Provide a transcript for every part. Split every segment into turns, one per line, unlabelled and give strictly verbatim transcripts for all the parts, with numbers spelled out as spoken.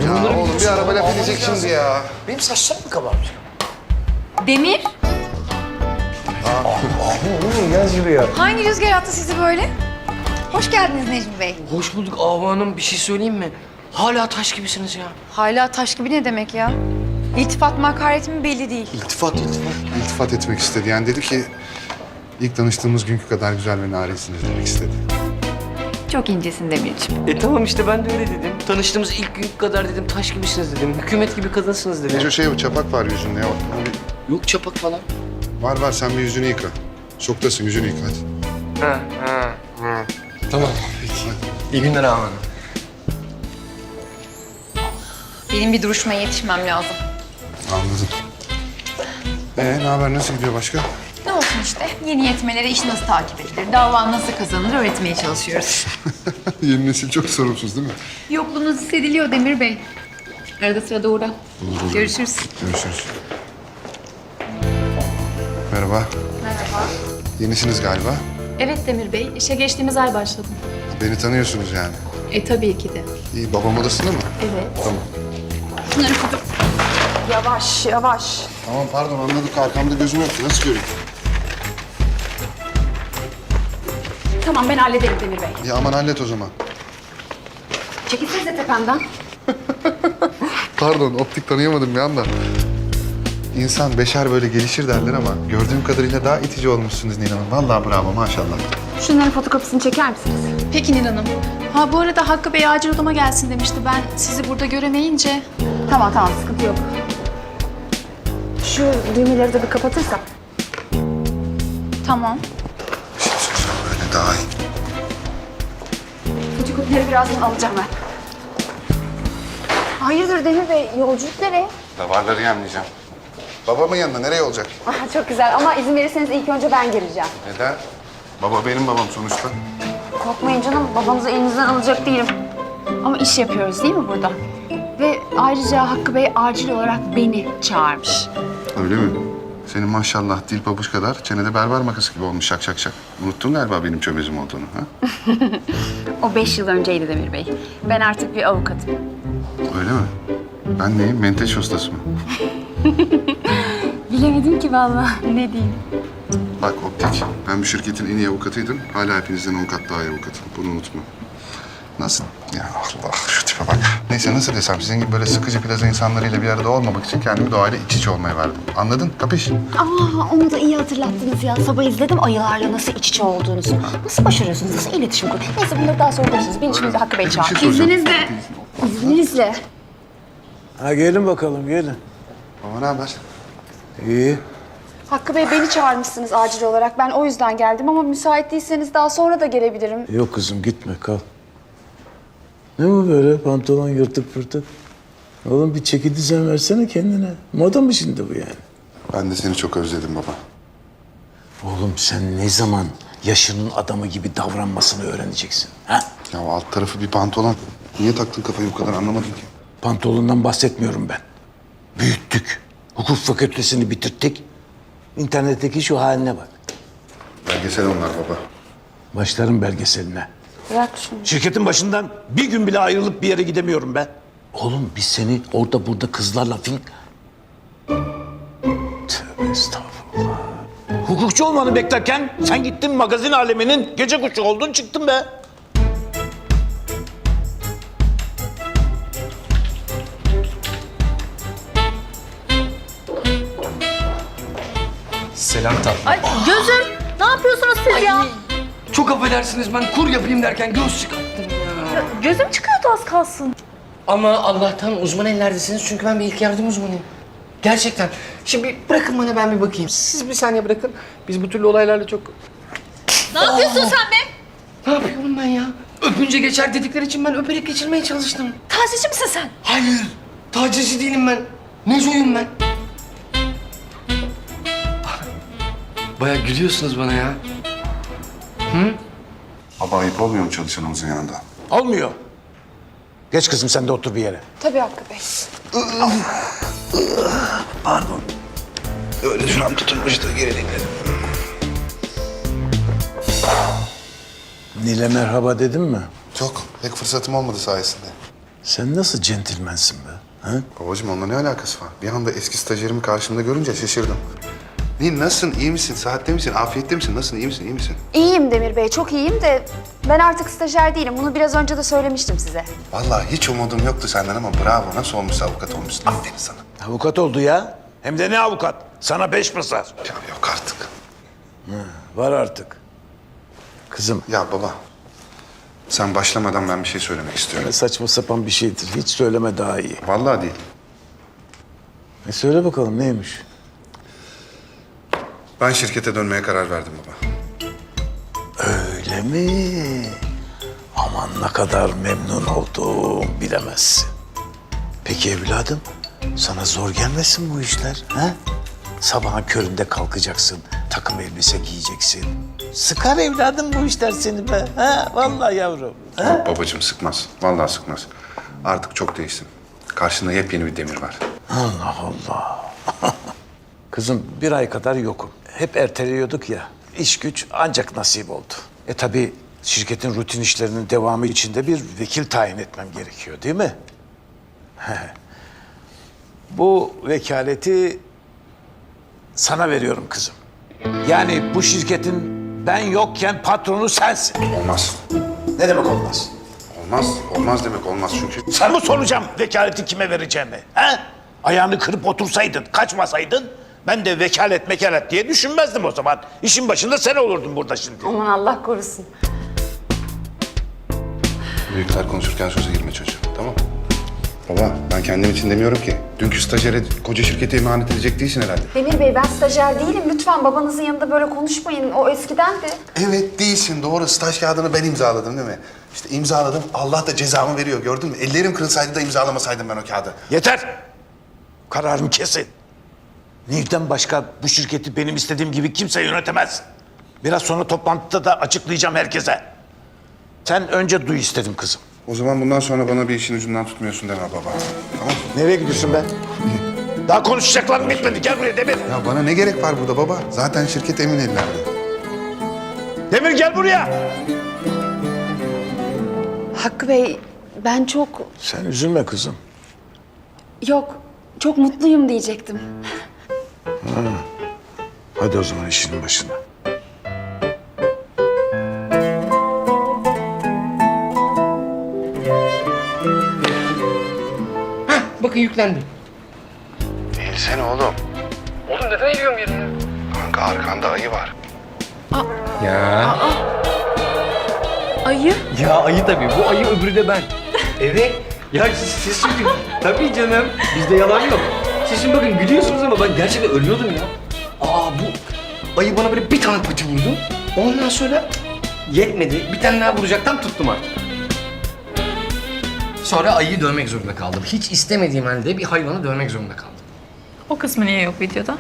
Ya oğlum bir araba laf edecek şimdi ya.
Benim saçlarım mı kabarmış?
Demir,
Gel şuraya.
hangi rüzgar attı sizi böyle? Hoş geldiniz Necmi Bey.
Hoş bulduk Ahu Hanım. Bir şey söyleyeyim mi? Hala taş gibisiniz ya.
Hala taş gibi ne demek ya? İltifat makareti mi belli değil.
İltifat, iltifat. İltifat etmek istedi. Yani dedi ki ilk tanıştığımız günkü kadar güzel ve narisiniz demek istedi.
Çok incesin Demirciğim.
E tamam işte ben de öyle dedim. Tanıştığımız ilk gün kadar dedim taş gibisiniz dedim. Hükümet gibi kadınsınız dedim.
Neco şey o çapak var yüzünde ya. Abi,
Yok çapak falan.
var var sen bir yüzünü yıka. Şoktasın yüzünü yıka hadi.
Ha, ha, ha. Tamam. Peki. İyi günler Ahu Hanım.
Benim bir duruşmaya yetişmem lazım.
Anladım. Ee ne haber nasıl gidiyor başka?
Ne olsun işte, yeni yetmelere iş nasıl takip edilir, dava nasıl kazanılır öğretmeye çalışıyoruz.
Yeni nesil çok sorumsuz değil mi?
Yokluğunuz hissediliyor Demir Bey. Arada sırada uğra.
olur.
Görüşürüz.
Görüşürüz. Merhaba.
Merhaba.
Yenisiniz galiba.
Evet Demir Bey, işe geçtiğimiz ay başladım.
Beni tanıyorsunuz yani.
E tabii ki de.
İyi babam odasında mı?
Evet.
Tamam.
Şunları kudur.
Yavaş, yavaş.
Tamam pardon anladık arkamda gözüm yoktu. Nasıl göreyim?
Tamam ben hallederim Demir Bey.
Ya aman hallet o zaman.
Çekilsenize tepemden.
Pardon optik tanıyamadım bir anda. İnsan beşer böyle gelişir derler ama gördüğüm kadarıyla daha itici olmuşsunuz Nil Hanım. Vallahi bravo maşallah.
Şunların fotokopisini çeker misiniz?
Peki Nil Hanım. Ha bu arada Hakkı Bey acil odama gelsin demişti. Ben sizi burada göremeyince...
Tamam tamam sıkıntı yok. Şu düğmeleri de bir kapatırsak.
Tamam.
Bir şey söyleyeceğim böyle daha iyi.
Fotokopileri birazdan alacağım ben. Hayırdır Demir Bey, yolculuk nereye?
Davarları yemleyeceğim. Babamın yanında nereye olacak?
Aha, çok güzel ama izin verirseniz ilk önce ben gireceğim.
Neden? Baba benim babam sonuçta.
Korkmayın canım, babanızı elinizden alacak değilim. Ama iş yapıyoruz değil mi burada? Ve ayrıca Hakkı Bey acil olarak beni çağırmış.
Öyle mi? Senin maşallah dil pabuç kadar çenede berber makası gibi olmuş şak şak şak. Unuttun galiba benim çömezim olduğunu ha?
O beş yıl önceydi Demir Bey. Ben artık bir avukatım.
Öyle mi? Ben neyim? Menteş ustası mı?
Bilemedim ki vallahi. Ne diyeyim?
Bak optik, ben bu şirketin en iyi avukatıydım. Hala hepinizden avukat daha iyi avukatım. Bunu unutma. Nasıl? Ya Allah şu tipe bak. Neyse nasıl desem sizin gibi böyle sıkıcı plaza insanlarıyla bir arada olmamak için kendimi doğayla iç içe olmaya verdim. Anladın? Kapış?
Aa, onu da iyi hatırlattınız ya. Sabah izledim ayılarla nasıl iç içe olduğunuzu. Nasıl başarıyorsunuz? Nasıl iletişim kuruyorsunuz? Neyse bunları daha sonra konuşuruz. Beni şimdi Hakkı Bey
Bir şey
çağırdı.
soracağım.
İzninizle. İzninizle.
Ha gelin bakalım gelin.
Baba ne haber?
İyi.
Hakkı Bey beni çağırmışsınız acil olarak. Ben o yüzden geldim ama müsait değilseniz daha sonra da gelebilirim.
Yok kızım gitme kal. Ne bu böyle pantolon yırtık pırtık? Oğlum bir çeki düzen versene kendine. Moda mı şimdi bu yani?
Ben de seni çok özledim baba.
Oğlum sen ne zaman yaşının adamı gibi davranmasını öğreneceksin? Ha?
Ya alt tarafı bir pantolon. Niye taktın kafayı bu kadar anlamadım ki.
Pantolondan bahsetmiyorum ben. Büyüttük. Hukuk fakültesini bitirttik. İnternetteki şu haline bak.
Belgesel onlar baba.
Başlarım belgeseline.
Bırak şunu.
Şirketin başından bir gün bile ayrılıp bir yere gidemiyorum ben. Oğlum biz seni orada burada kızlarla fin... Tövbe estağfurullah. Hukukçu olmanı beklerken sen gittin magazin aleminin gece kuşu oldun çıktın be.
Selam tatlım.
Ay gözüm, ne yapıyorsunuz siz ya?
Çok affedersiniz ben kur yapayım derken göz çıkarttım ya.
Gözüm çıkıyordu az kalsın.
Ama Allah'tan uzman ellerdesiniz çünkü ben bir ilk yardım uzmanıyım. Gerçekten. Şimdi bırakın bana ben bir bakayım. Siz bir saniye bırakın. Biz bu türlü olaylarla çok...
Ne yapıyorsun sen be?
Ne yapıyorum ben ya? Öpünce geçer dedikleri için ben öperek geçirmeye çalıştım.
Tacizci misin sen?
Hayır. Tacizci değilim ben. Nezoyum ben. Bayağı gülüyorsunuz bana ya.
Baba ayıp olmuyor mu çalışanımızın yanında?
Olmuyor. Geç kızım sen de otur bir yere.
Tabii Hakkı Bey.
Pardon. Öyle şuram tutulmuştu geri dinledim. Nil'e merhaba dedim mi?
Yok pek fırsatım olmadı sayesinde.
Sen nasıl centilmensin be? Ha?
Babacığım onunla ne alakası var? Bir anda eski stajyerimi karşımda görünce şaşırdım. Ne, nasılsın, iyi misin, sıhhatli misin, afiyette misin, nasılsın, iyi misin, iyi misin?
İyiyim Demir Bey, çok iyiyim de ben artık stajyer değilim. Bunu biraz önce de söylemiştim size.
Vallahi hiç umudum yoktu senden ama bravo, nasıl olmuşsa avukat olmuşsun. Aferin sana.
Avukat oldu ya. Hem de ne avukat? Sana beş basar.
Ya yok artık.
Var artık. Kızım,
Ya baba, sen başlamadan ben bir şey söylemek istiyorum.
ne saçma sapan bir şeydir. Hiç söyleme daha iyi.
Vallahi değil.
E söyle bakalım neymiş?
Ben şirkete dönmeye karar verdim baba.
Öyle mi? Aman ne kadar memnun oldum bilemezsin. Peki evladım, sana zor gelmesin bu işler, ha? Sabahın köründe kalkacaksın, takım elbise giyeceksin. Sıkar evladım bu işler seni be, ha? Vallahi yavrum. Ha?
Yok babacığım sıkmaz, vallahi sıkmaz. Artık çok değişsin. Karşında yepyeni bir Demir var.
Allah Allah. Kızım bir ay kadar yokum. Hep erteliyorduk ya. İş güç ancak nasip oldu. E tabii şirketin rutin işlerinin devamı için de bir vekil tayin etmem gerekiyor değil mi? Bu vekaleti sana veriyorum kızım. Yani bu şirketin ben yokken patronu sensin.
Olmaz.
Ne demek olmaz?
Olmaz, olmaz demek olmaz çünkü.
Sana mı soracağım vekaleti kime vereceğimi? He? Ayağını kırıp otursaydın, kaçmasaydın ben de vekalet mekalet diye düşünmezdim o zaman. İşin başında sen olurdun burada şimdi.
Aman Allah korusun.
Büyükler konuşurken söze girme çocuğum, tamam? Baba, ben kendim için demiyorum ki. Dünkü stajyere koca şirkete emanet edecek değilsin herhalde.
Demir Bey, ben stajyer değilim. Lütfen babanızın yanında böyle konuşmayın. O eskidendi.
Evet değilsin, doğru. Staj kağıdını ben imzaladım değil mi? İşte imzaladım, Allah da cezamı veriyor, gördün mü? Ellerim kırılsaydı da imzalamasaydım ben o kağıdı.
Yeter! Kararımı kesin. Nil'den başka bu şirketi benim istediğim gibi kimse yönetemez. Biraz sonra toplantıda da açıklayacağım herkese. Sen önce duy istedim kızım.
O zaman bundan sonra bana bir işin ucundan tutmuyorsun deme baba. Tamam mı?
Nereye gidiyorsun be? Daha konuşacaklarım bitmedi. Gel buraya Demir.
Ya bana ne gerek var burada baba? Zaten şirket emin ellerde.
Demir gel buraya.
Hakkı Bey, ben çok...
Sen üzülme kızım.
Yok, çok mutluyum diyecektim.
Hadi o zaman işinin başına.
Hah, bakın yüklendi.
Değilsene oğlum.
Oğlum neden eğiliyorum yerine?
Kanka arkanda ayı var.
Ya.
Ayı?
Ya ayı tabii. Bu ayı öbürü de ben. Evet. Ya siz, siz çünkü... Tabii canım. Bizde yalan yok. Siz şimdi bakın gülüyorsunuz ama ben gerçekten ölüyordum ya. Aa bu ayı bana böyle bir tane pati vurdu. Ondan sonra yetmedi. Bir tane daha vuracaktan tuttum artık. Sonra ayıyı dövmek zorunda kaldım. Hiç istemediğim halde bir hayvanı dövmek zorunda kaldım.
O kısmı niye yok videoda?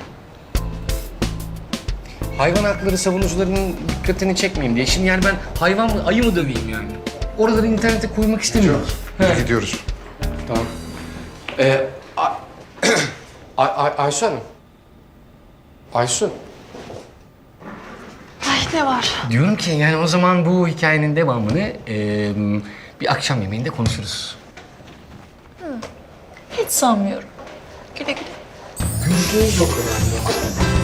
Hayvan hakları savunucularının dikkatini çekmeyeyim diye. Şimdi yani ben hayvan mı, ayı mı döveyim yani? Oraları internete koymak istemiyorum.
Biz gidiyoruz.
Tamam. Ee, Ay- Ay- Ay- Aysu Hanım. Aysu.
Ay ne var?
Diyorum ki yani o zaman bu hikayenin devamını eee, bir akşam yemeğinde konuşuruz.
Hiç sanmıyorum. Güle güle.
Yüzde yüz yok önemli.